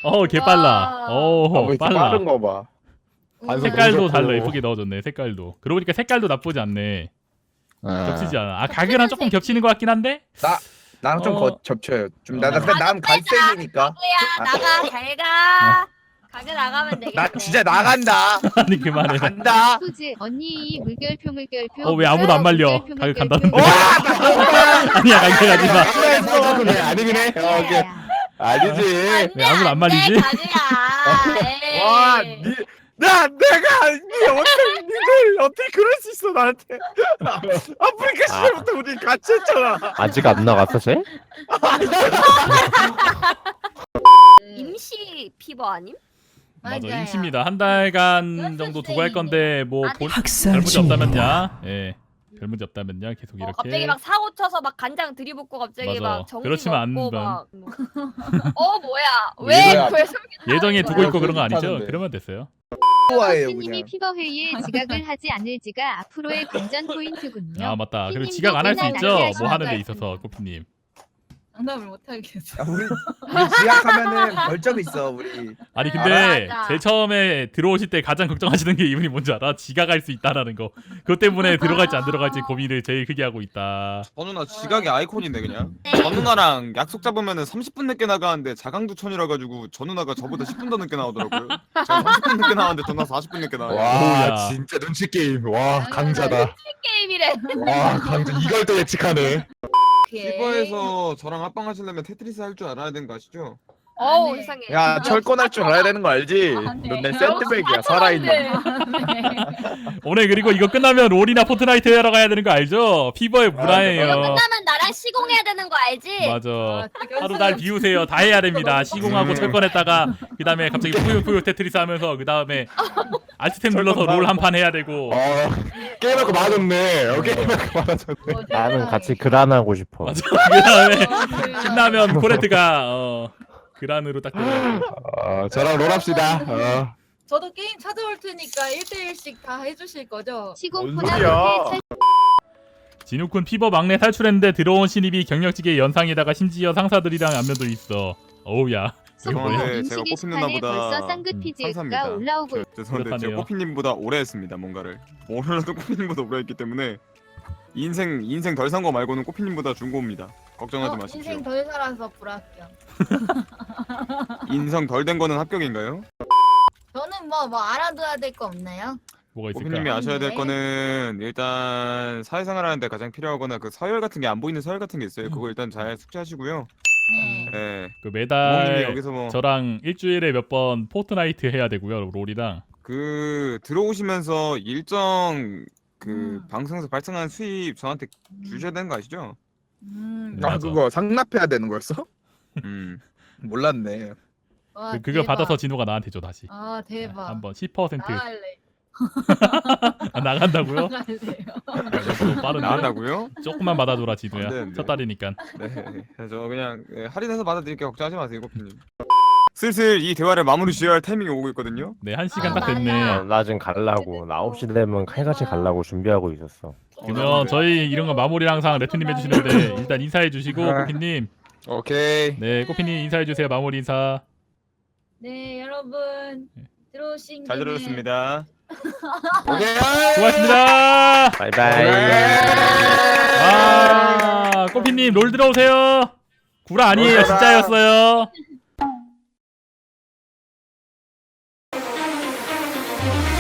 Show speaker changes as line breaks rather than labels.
개빨라.
왜 이렇게
빨라.
빠른 거 봐.
색깔도
너무
달라.
좋고.
예쁘게 넣어줬네. 색깔도. 그러고 보니까 색깔도 나쁘지 않네.
아.
겹치지 않아. 가게랑 조금 겹치는 것 같긴 한데.
나랑 좀 겹쳐요. 좀 난 갈색이니까.
가그야 나가 잘 가. 가게 나가면 되겠네.
나 진짜 나간다.
아니 그만해.
간다.
소즈 언니 이 물결표
왜 아무도 안 말려?
물결표,
가게
물결표.
간다는데. 아니야 가게 가지 마.
그래 아니긴 해. 오케이. 아니지.
왜 아무도 안 말리지?
가그야.
와, 내가 니들 어떻게 그럴 수 있어 나한테? 아프리카 시절부터 우리 같이 했잖아.
아직 안 나갔어 쟤?
임시 피버 아님?
맞아
맞아요.
임시입니다. 한 달간 정도 두고 할 건데 뭐
아니,
별 문제 없다면야. 예. 별 문제 없다면야 계속 이렇게.
갑자기 막 사고 쳐서 막 간장 들이붓고 갑자기
맞아.
막 정신
그렇지만 안
없고
번.
막 뭐야
뭐야.
왜 솔깃
예정에 두고 있고 그런 거 아니죠?
하는데.
그러면 됐어요.
좋아해요
스님이
그냥.
피버 회의에 지각을 하지 않을지가 앞으로의 관전 포인트군요.
아 맞다. 그리고
피님도
지각 안 할 수
맨날
있죠.
낭비하시는
뭐 하는 데
것
있어서 꼬피님.
장담을 못 하겠어.
우리 지약하면은 벌점 있어 우리.
아니 근데
맞아.
제일 처음에 들어오실 때 가장 걱정하시는 게 이분이 뭔지 알아? 지각할 수 있다라는 거. 그것 때문에 들어갈지 안 들어갈지 고민을 제일 크게 하고 있다.
저 누나 지각의 아이콘인데 그냥 저 누나랑 약속 잡으면은 30분 늦게 나가는데 자강두천이라 가지고 저 누나가 저보다 10분 더 늦게 나오더라고요. 제가 30분 늦게 나왔는데 저 누나 40분 늦게 나와요.
오우야.
와 진짜 눈치 게임. 와 강자다.
게임이래.
와 강자 이걸 또 예측하네.
피버에서 저랑 합방하시려면 테트리스 할 줄 알아야 되는 거 아시죠?
어우
네.
이상해.
야 철권할 줄 알아야 되는 거 알지?
네.
넌 내 샌드백이야 살아있는.
오늘 그리고 이거 끝나면 롤이나 포트나이트 하러 가야 되는 거 알죠? 피버의
이거
문화예요.
끝나면 나랑 시공해야 되는 거 알지?
맞아. 하루 날 비우세요. 다 해야 됩니다. 시공하고 철권했다가 그 다음에 갑자기 뿌요뿌요 테트리스 하면서 그 다음에 알트템 눌러서 롤 한 판 해야 되고.
게임하고 맞았네. 게임하고 맞았네.
나는 같이 그란하고 싶어.
맞아. 그 다음에 신나면 코레트가 그란으로 딱 들어가고.
저랑 롤합시다.
저도 게임 찾아올 테니까 1대1씩 다 해주실 거죠?
시공포나
뭔 소리야.
호텔
진욱군 피버 막내 탈출했는데 들어온 신입이 경력직의 연상에다가 심지어 상사들이랑 안면도 있어. 어우야. 이거 뭐야?
죄송한데
음식
제가 꽃핀
게시판에
누나보다
벌써 쌍긋피지가
상사입니다.
올라오고
죄송한데 제가
그렇다네요.
꽃핀님보다 오래 했습니다 뭔가를. 오늘도 꽃핀님보다 오래 했기 때문에 인생 덜 산 거 말고는 꽃핀님보다 중고입니다. 걱정하지 마십시오.
인생 덜 살아서 불합격.
인성 덜 된 거는 합격인가요?
저는 뭐 알아둬야 될 거 없나요?
뭐가
꽃핀님이
있을까?
아셔야 될
네.
거는 일단 사회생활 하는데 가장 필요하거나 그 서열 같은 게 안 보이는 서열 같은 게 있어요. 그거 일단 잘 숙지하시고요.
네.
네.
그
부모님이
매달
여기서 뭐
저랑 일주일에 몇 번 포트나이트 해야 되고요. 롤이랑.
그 들어오시면서 일정 그
음.
방송에서 발생한 수입 저한테 주셔야 되는 거 아시죠?
맞아.
아 그거 상납해야 되는 거였어?
음.
몰랐네.
와,
그거
대박.
받아서 진우가 나한테 줘 다시.
아 대박.
한번 10%
나갈래.
나간다고요?
나갈래요.
너무 빠른데.
나간다고요?
조금만 받아줘라 진우야.
안 되는데.
첫 달이니까.
네. 저 그냥 할인해서 받아드릴게요. 걱정하지 마세요, 고피님. 슬슬 이 대화를 마무리 지어야 할 타이밍이 오고 있거든요.
네, 1시간 딱
맞아.
됐네.
나 지금 갈라고. 나 9시 되면 칼같이 갈라고 준비하고 있었어.
그러면 저희 이런 거 마무리를 항상 레트님 해주시는데 일단 인사해 주시고 꼬피님.
오케이.
네, 꼬피님 인사해 주세요. 마무리 인사.
네 여러분 들어오신
잘
김에
들었습니다.
오케이.
수고하셨습니다.
바이바이.
아, 꼬피님 롤 들어오세요. 구라 아니에요. 진짜였어요.